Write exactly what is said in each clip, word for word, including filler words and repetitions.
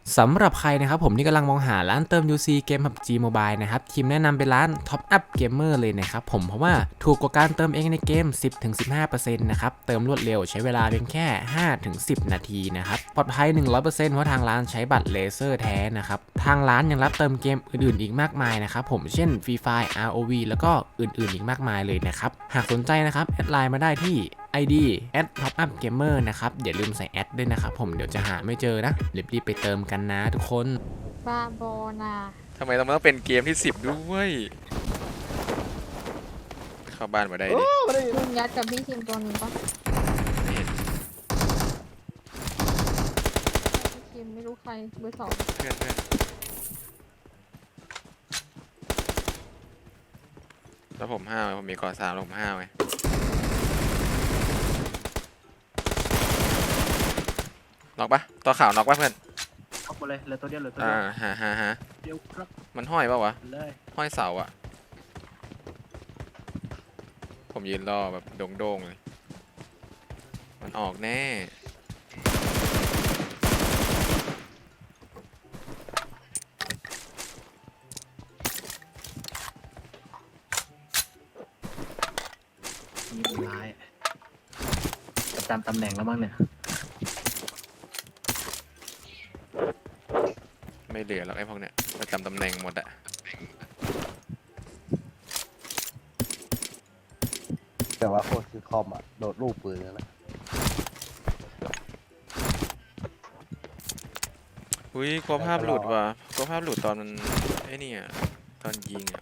สำหรับใครนะครับผมที่กำลังมองหาร้านเติม ยู ซี เกม พับ จี Mobile นะครับทีมแนะนำเป็นร้าน Top Up Gamer เลยนะครับผมเพราะว่าถูกกว่าการเติมเองในเกม สิบถึงสิบห้าเปอร์เซ็นต์ นะครับเติมรวดเร็วใช้เวลาเพียงแค่ ห้าถึงสิบ นาทีนะครับปลอดภัย หนึ่งร้อยเปอร์เซ็นต์ เพราะทางร้านใช้บัตรเลเซอร์แท้นะครับทางร้านยังรับเติมเกมอื่นๆอีกมากมายนะครับผมเช่น Free Fire อาร์ โอ วี แล้วก็อื่นๆอีกมากมายเลยนะครับหากสนใจนะครับแอดไลน์มาได้ที่ ไอ ดี แอท ท็อปอัพเกมเมอร์ นะครับอย่าลืมใส่แอดด้วยนะครับผมเดี๋ยวจะหาไม่เจอนะรีบๆไปเติมกันนะทุกคนบาโบนาทำไมต้องเป็นเกมที่สิบด้วยเข้าบ้านมาได้ดิลุงยัดกับพี่ทีมตัวนี้ปะไม่เห็นพี่ทีมไม่รู้ใครเบอร์สองเพื่อนเพื่อนแล้วผมห้าวผมมีกอสามแล้วผมห้าวไงน็อกปะตัวขาวน็อกปะเพื่อนเอาไปเลยเหลือตัวเดียวเหลือตัวอ่าเดียวฮะฮะฮะเดียวครับมันห้อยปะวะเลยห้อยเสาอะผมยืนรอแบบโด่งๆเลยมันออกแน่มีคนร้ายประจำตำแหน่งแล้วมั้งเนี่ยไม่เหลือแล้วไอ้พวกเนี้ยประจำตำแหน่งหมดอะแต่ว่าโคตรคือคอมอ่ะโดดลูกปืนแล้วนะอุ้ยกลัวภาพหลุดว่ะกลัวภาพหลุดตอนมันไอ้นี่อะตอนยิงอะ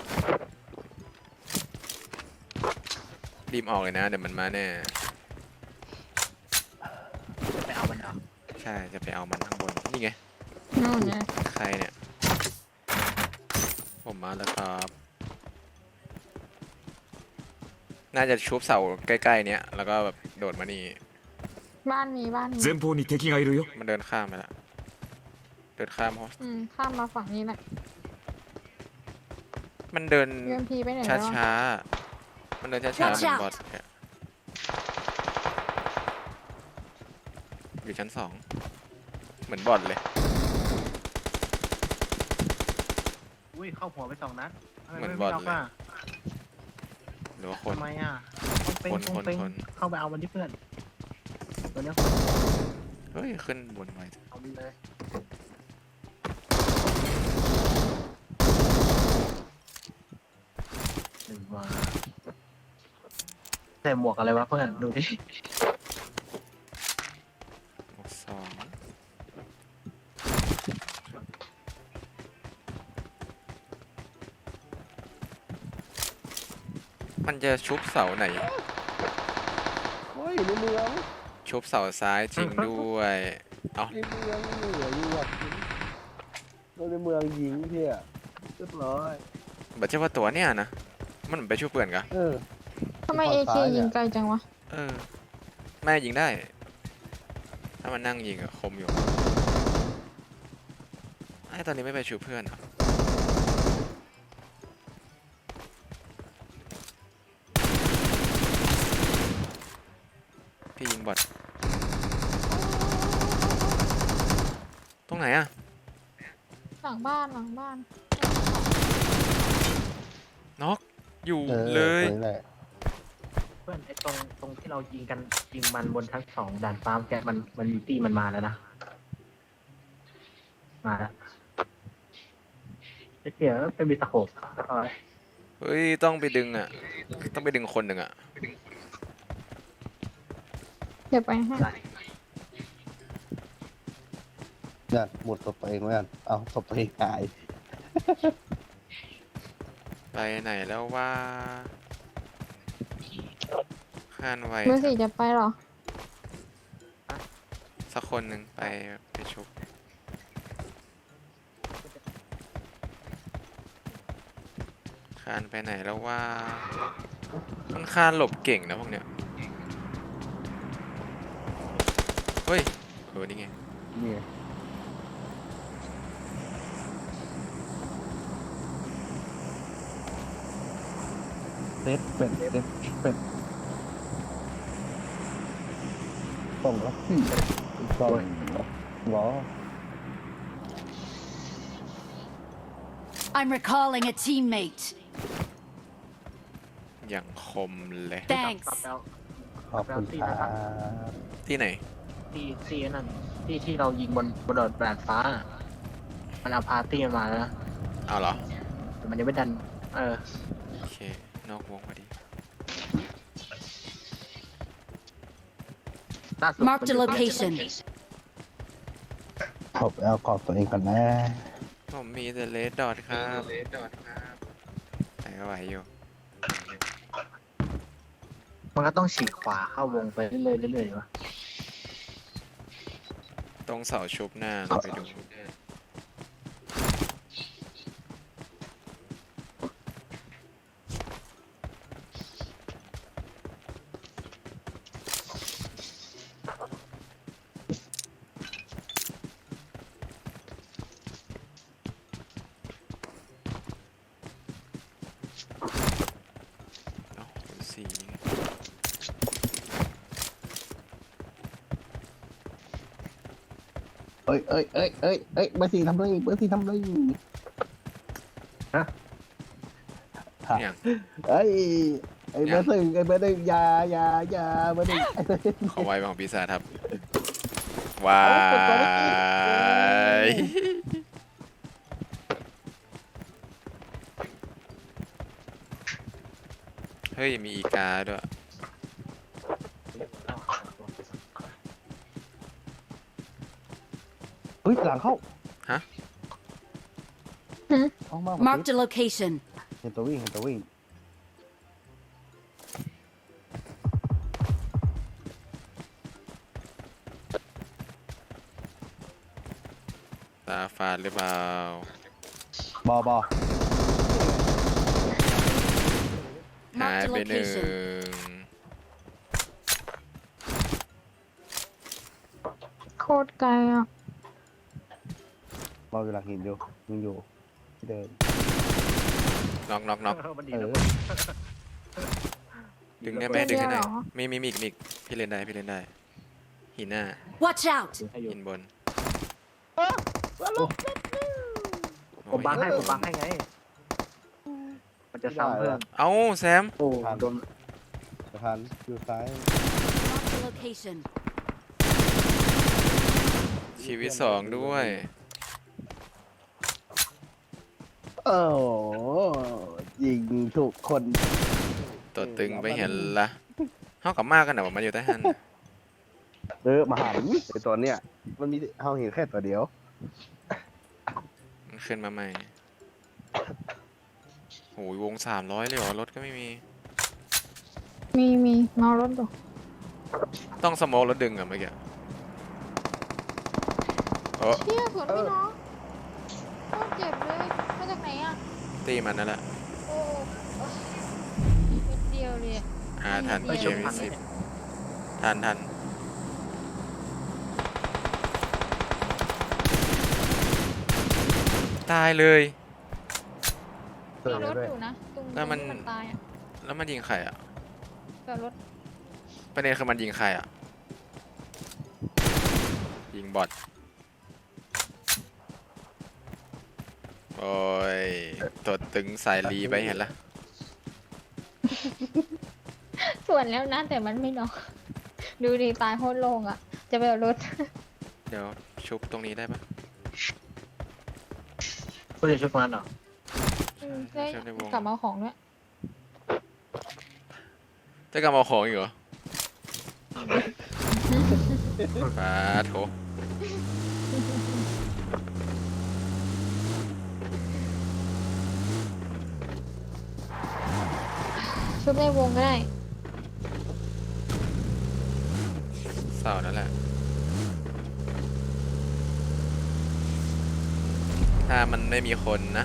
รีบออกเลยนะเดี๋ยวมันมาแน่จะไปเอามันเอาใช่จะไปเอามันข้างบนนี่ไงนู่นไงใครเนี่ยผมมาแล้วครับน่าจะชุบเสาใกล้ๆเนี้ยแล้วก็แบบโดดมานี่บ้านมีบ้านมี前方に敵がいるよมันเดินข้ามไปละเดินข้ามเพราะอืมข้ามมาฝั่งนี้แหละมันเดินยู เอ็ม พี ไปไหนช้าแล้วช้ามันเดินช้าช้าเหมือนบอทเนี่ยอยู่ชั้นสองเหมือนบอทเลยอุ้ยเข้าหัวไปสองนัดทำไมเหมือนไม่บอทเอาเลยป่ะหรือว่าคนทำไมอ่ะต้องเป็นคนต้องเป็นคนเข้าไปเอามันที่เพื่อนตัวเนี้ยเฮ้ยขึ้นบนไว้เอามันเลยหนึ่งมาใส่หมวกอะไรวะเพื่อนดูดิสองมันจะชุบเสาไหนเฮ้ยในเมืองชุบเสาซ้ายจริงด้วยเอาในเมืองเหนืออยู่อ่ะโดนในเมืองยิงเที่ยเรียบร้อยแบบเชื่อว่าตัวเนี่ยนะมันเหมือนไปช่วยเพื่อนกะเออทำไมเอเคยิงไกลจังวะเออแม่ยิงได้ถ้ามันนั่งยิงอะคมอยู่ไอ้ตอนนี้ไม่ไปช่วยเพื่อนเหรอพี่ยิงบอทตรงไหนอะหลังบ้านหลังบ้านน็อกอยู่เออเลยนั่นแหละเพื่อนไอ้ตรงตรงที่เรายิงกันยิงมันบนทั้งสองด่านฟ้าแกมันมันมีตี้มันมาแล้วนะมาแล้วไอ้เหี้ยเป็นมีตะโขบเอาไว้เฮ้ยต้องไปดึงอะต้องไปดึงคนหนึ่งอะเดี๋ยวไปให้เนี่ยหมดศพตัวเองเหมือนกันเอาศพตัวเองหายไปไหนแล้วว่าข้านไวเบอร์สี่จะไปเหรอสักคนหนึ่งไปไปชุบข้านไปไหนแล้วว่ามันข้านหลบเก่งนะพวกเนี้ยเฮ้ยเออนี่ไงนี่เซตเป็ดเซตเป็ดส่งแล้วพี่ส่งล้อ I'm recalling a teammate. อย่างคมเลย Thanks. กลับแล้วขอบคุณครับที่ไหนที่ที่นั่นที่ที่เรายิงบนบนดาดฟ้า มันเอาพาร์ตี้มาแล้วนะเอาเหรอแต่มันยังไม่ดัน เออโอเค นอกวงพอดีล่าสุด Marked a location. ขอบเอาขอบตัวเองก่อนนะผมมีแต่เลดดอทครับเลดดอทครับไหนก็ไหวอยู่มันก็ต้องฉีกขวาเข้าวงไปเรื่อยๆเรื่อยๆวะตรงเสาชุบหน้าเราไปดู เอ้าเป็นสีไงเอ้ยเอ้ยเอ้ยเอ้ยเอ้ยเบอร์สี่ทำเลยเบอร์สี่ทำเลยอย่างเอ้ยไอ้เบอร์หนึ่งไอ้เบอร์หนึ่งอยาอยาอยาเบอร์หนึ่งขอไว้ของปีศาจครับวาย เฮ้ย มีอีกาด้วยเฮ้ยหลังเข้าฮะเข้ามา Marked a location. เห็นตัววิ่งเห็นตัววิ่งตาฟาดหรือเปล่าบอบอหาย Marked a ไปหนึ่ง location. โคตรไกลอ่ะบออยู่หลังหินอยู่ยังอยู่ที่เดิมน็อกน็อกน็อกมันดีเอนะอดึงได้ไหมเดีดึยวงให้หน่อยเหรอมีมีมีอีกมีอีกพี่เล่นได้ พี่เล่นได้ หินหน้า Watch out. ให้อยู่หินบนผมบังให้ผมบังให้ไง มันจะซ้ำเพื่อนเอ้าแซมโอ้โดนสะพานอยู่ซ้าย Marked a location. ชีวิตสองด้วยโอ้โหยิงถูกคนตัวตึงไปเห็นละเท่ากับมากกันนะว่ามันอยู่ใต้หันน่ะเออมาหาไอตัวเนี้ยมันมีเฮาเห็นแค่ตัวเดียวมันขึ้นมาใหม่โอ้ยวงสามร้อยเลยเหรอ รถก็ไม่มีมีมีเมารถดูต้องสโมกแล้วดึงอะเมื่อกี้โอ้เชี่ยสวนพี่น้องโคตรเจ็บเลย มาจากไหนอ่ะตีมันนั่นแหละโอ้เป็นเดียวเลยอะอ่าทันไม่เกชุบมทัที่นสิบทันทันตายเลยเจอมีรถด้วยอยู่นะตรงแล้วมันที่มันตายอ่ะแล้วมันยิงใครอ่ะกับรถประเด็นคือมันยิงใครอ่ะ ยิงบอทโอ้ยตัวตึงสายรีไปเห็นละส่วนแล้วนะแต่มันไม่นอกดูดีตายโคตรโล่งอ่ะ จะไปเอารถเดี๋ยวชุบตรงนี้ได้ปะเพื่อจะช่วยมันเหรออืมได้ชุบในวงกลับมาเอาของด้วยจะกลับมาเอาของอีกเหรอปาโถชุบในวงก็ได้เศร้านั่นแหละ ถ้ามันไม่มีคนนะ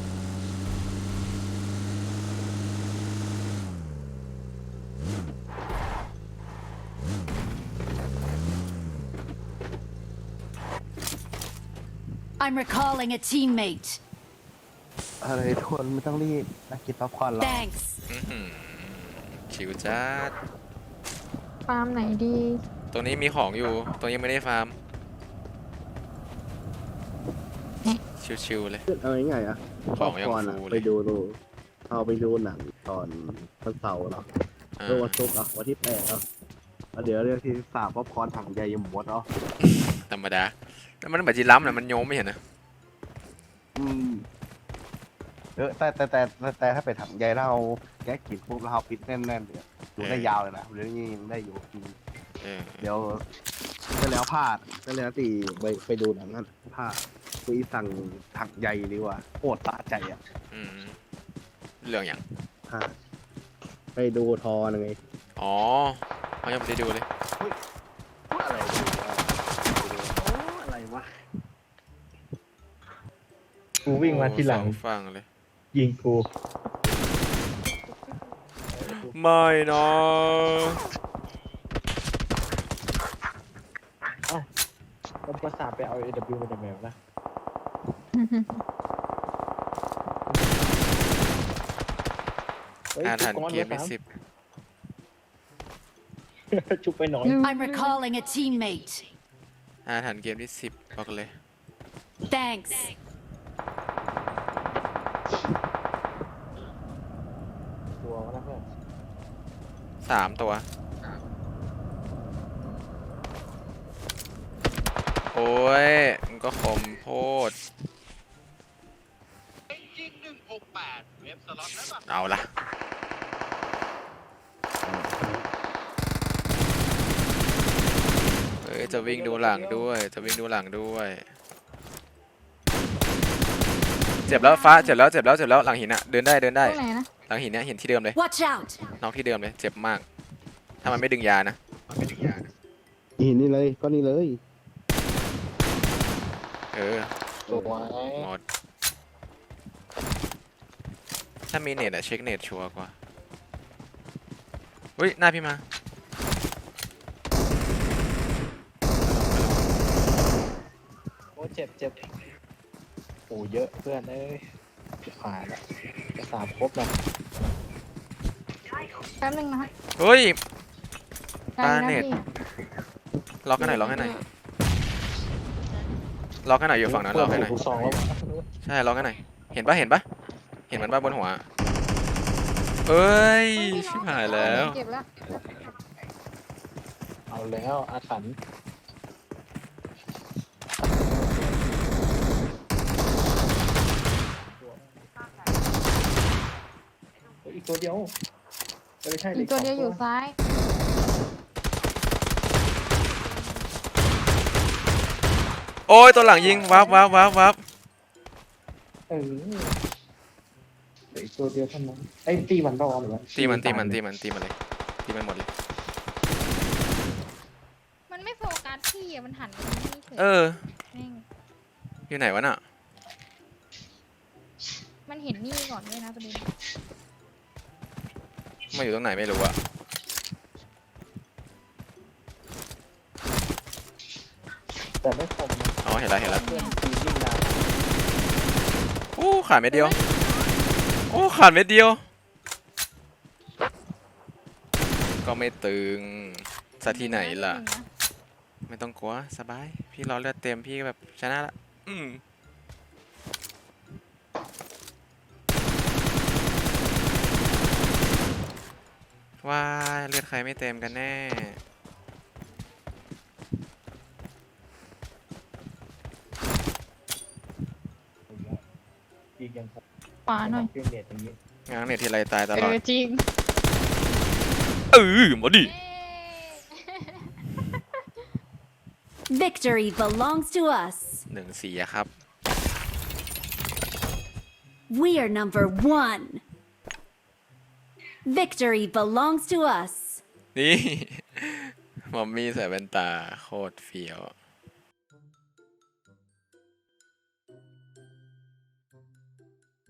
I'm recalling a teammate. อะไรทุกคนไม่ต้องรีบนักกินป๊อปคอร์นหรอก Thanks. อื้อหือชิวจัดฟาร์มไหนดีตรงนี้มีของอยู่ ตรงนี้ยังไม่ได้ฟาร์มเอ๊ะชชิวๆเลยเอาง่ายๆอ่ะของยังก่อนฟูอะเลยไปดูดูเอาไปดูหนังตอนวันเสาร์เนาะอ่าเมื่อวันศุกร์อ่ะวันที่แปดเนาะแล้วเดี๋ยวเรื่องที่สามป๊อปคอร์นถังใหญ่ยมมดเนาะธรรมดาแล้วมันเหมือนจีรัมนะมันโยมไม่เห็นนะอืมเออแต่แต่แต่แต่แต่ถ้าไปถังใหญ่แล้วเราแกะกินปุ๊บแล้วเราปิดแน่นๆเดี๋ยวดูได้ยาวเลยนะเรื่องนี้ยังได้อยู่อืมเออเดี๋ยวไปแล้วพลาดไปแล้วตีไปไปดูหนังนั้นพลาดคุยสั่งถังใหญ่ดีกว่าโคตรสะใจอ่ะอืมเรื่องอย่างพลาดไปดูทอหนึ่งไงอ๋อเขายังไม่ได้ดูเลยอะไรวะอะไรวะกูวิ่งมาที่หลังโอ้สอฝั่งเลยยิงกูไม่นะแล้วภาษาไปเอา เอ ดับเบิลยู มาจากไหนวะนะ เฮ้ยอาชุถรบรพ์ก้อนเกมมาที่สามสิบชุบไปหน่อย I'm recalling a teammate. อาถรรพ์เกมที่สิบบอกเลย Thanks. ตัววะนะเพื่อนสามตัว โอ้ยมันก็คมโพดเอาละเฮ้ย จะวิ่งดูหลังด้วย จะวิ่งดูหลังด้วย เจ็บแล้วฟ้า เจ็บแล้ว เจ็บแล้ว เจ็บแล้ว หลังหินอะเดินได้ เดินตได้รงไหนนะหลังหินเนี่ยเห็นที่เดิมเลย Watch out. น็อกที่เดิมเลย เจ็บมาก ถ้ามันไม่ดึงยานะหินนี่เลยก็นี่เลยเออสวยหมด ถ้ามีเน็ตอะเช็คเน็ตชัวร์กว่าเฮ้ย หน้าพี่มาโอ้เจ็บเจ็บโอ้เยอะเพื่อนเอ้ยผ่านละภาษาครบนะแป๊บนึงนะฮะเฮ้ยได้ปานะเน็ตพี่ล็อกให้หน่อยล็อกให้หน่อยล็อกให้หน่อยอยู่ฝั่งนั้นล็อกให้หน่อยลูกซองแล้ววะใช่ล็อกให้หน่อยเห็นปะเห็นปะเห็นมันปะบนหัวเอ้ยชิบหายแล้วเก็บแล้วเอาแล้วอาถรรพ์เฮ้ยอีกตัวเดียวไม่ใช่อีกตัวเดียวอยู่ซ้ายโอ้ยตัวหลังยิงวับวับวับวับเออเหลืออีกตัวเดียวเท่านั้นไอ้ยตีมันรอหรือวะตีมันตีมันตีมันตีมันเลยตีมันหมดเลยมันไม่โฟกัสพี่อะมันหันไปนี่เฉยเออแม่งอยู่ไหนวะน่ะมันเห็นนี่ก่อนด้วยนะประเด็นมาอยู่ตรงไหนไม่รู้อะแต่ไม่คมนะอ๋อเห็นแล้วเห็นแล้วเพื่อนตียิ่งนานโอ้ขาดเม็ดเดียวโอ้ขาดเม็ดเดียว ก็ไม่ตึงซะที่ไหนล่ะ ไม่ต้องกลัวสบาย พี่รอเลือดเต็มพี่ก็แบบชนะละอืมว้ายเลือดใครไม่เต็มกันแน่ยิงยังคงขวาหน่อยเครื่องเน็ตอย่างนี้งานเนี่ยทีไรตายตเอลอดอจริงเออมาดิ Victory belongs to us. หนึ่งสี่อะครับ We are number one. Victory belongs to us. นี่ มอมมี่ใส่แว่นตาโคตรเฟี้ยว